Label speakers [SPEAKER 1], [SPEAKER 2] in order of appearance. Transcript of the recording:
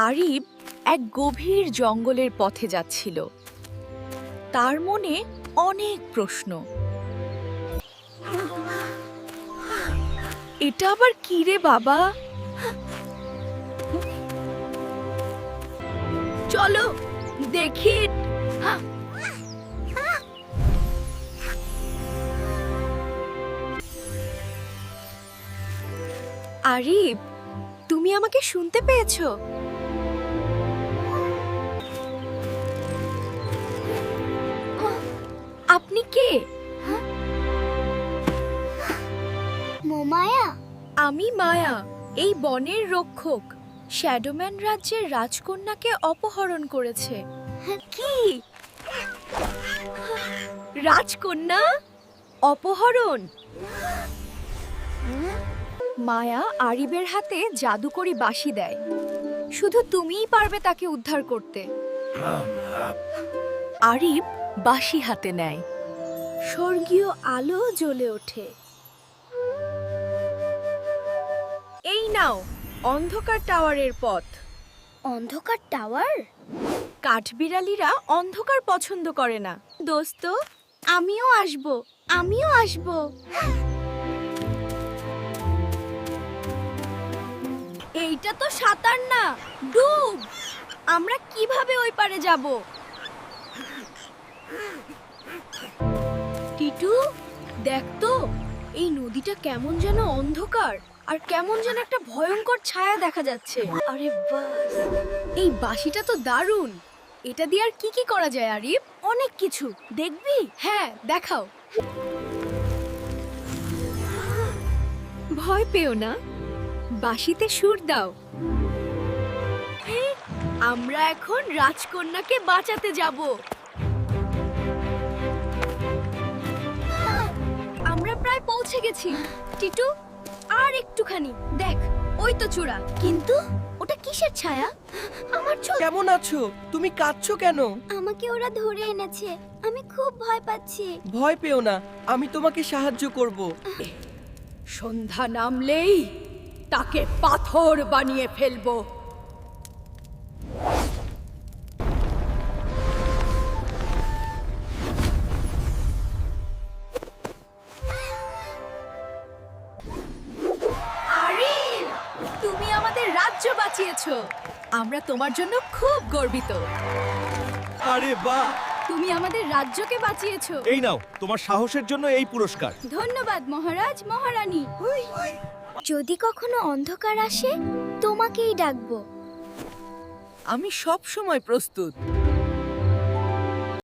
[SPEAKER 1] আরিব এক গভীর জঙ্গলের পথে যাচ্ছিল। তার মনে অনেক প্রশ্ন। এটা আবার কি রে বাবা? চলো দেখি। আরিব, তুমি আমাকে শুনতে পেয়েছো? আপনি কে?
[SPEAKER 2] মায়া,
[SPEAKER 1] আমি মায়া, এই বনের রক্ষক। শ্যাডোম্যান রাজ্যের রাজকন্যাকে অপহরণ করেছে। কি? রাজকন্যা অপহরণ? মায়া আরিবের হাতে জাদুকরি বাঁশি দেয়। শুধু তুমিই পারবে তাকে উদ্ধার করতে। আরিব বাঁশি হাতে নেয়। স্বর্গীয় আলো জ্বলে ওঠে। এই নাও অন্ধকার টাওয়ারের পথ।
[SPEAKER 2] অন্ধকার টাওয়ার?
[SPEAKER 1] কাঠবিড়ালিরা অন্ধকার পছন্দ করে না। দোস্ত,
[SPEAKER 2] আমিও আসব।
[SPEAKER 1] এইটা তো সাঁতার না, ডুব। আমরা কিভাবে ওই পারে যাব? টিটু, দেখ তো, এই নদীটা কেমন যেন অন্ধকার আর কেমন যেন একটা ভয়ঙ্কর ছায়া দেখা যাচ্ছে। আরে বাস, এই বাঁশিটা তো দারুণ। এটা দিয়ে আর কি কি করা যায় আরিফ? অনেক কিছু। দেখবি? হ্যাঁ, দেখাও। ভয় পেও না, বাঁশিতে সুর দাও। আমরা এখন রাজকন্যাকে বাঁচাতে যাব। আমরা প্রায় পৌঁছে গেছি। টিটু, আর একটুখানি। দেখ, ওই তো চূড়া।
[SPEAKER 2] কিন্তু ওটা কিসের ছায়া? আমার চোখ।
[SPEAKER 3] কেমন আছো? তুমি কাঁদছো কেন?
[SPEAKER 2] আমাকে ওরা ধরে এনেছে, আমি খুব ভয় পাচ্ছি।
[SPEAKER 3] ভয় পেও না, আমি তোমাকে সাহায্য করব।
[SPEAKER 1] সন্ধ্যা নামলেই তাকে পাথর বানিয়ে ফেলবো। আরিফ, তুমি আমাদের রাজ্য বাঁচিয়েছো। আমরা তোমার জন্য খুব গর্বিত।
[SPEAKER 4] আরে বাহ!
[SPEAKER 1] তুমি আমাদের রাজ্যকে বাঁচিয়েছো।
[SPEAKER 4] এই নাও তোমার সাহসের জন্য এই পুরস্কার।
[SPEAKER 1] ধন্যবাদ মহারাজ, মহারানী।
[SPEAKER 2] যদি কখনো অন্ধকার আসে, তোমাকেই ডাকবো।
[SPEAKER 3] আমি সব সময় প্রস্তুত।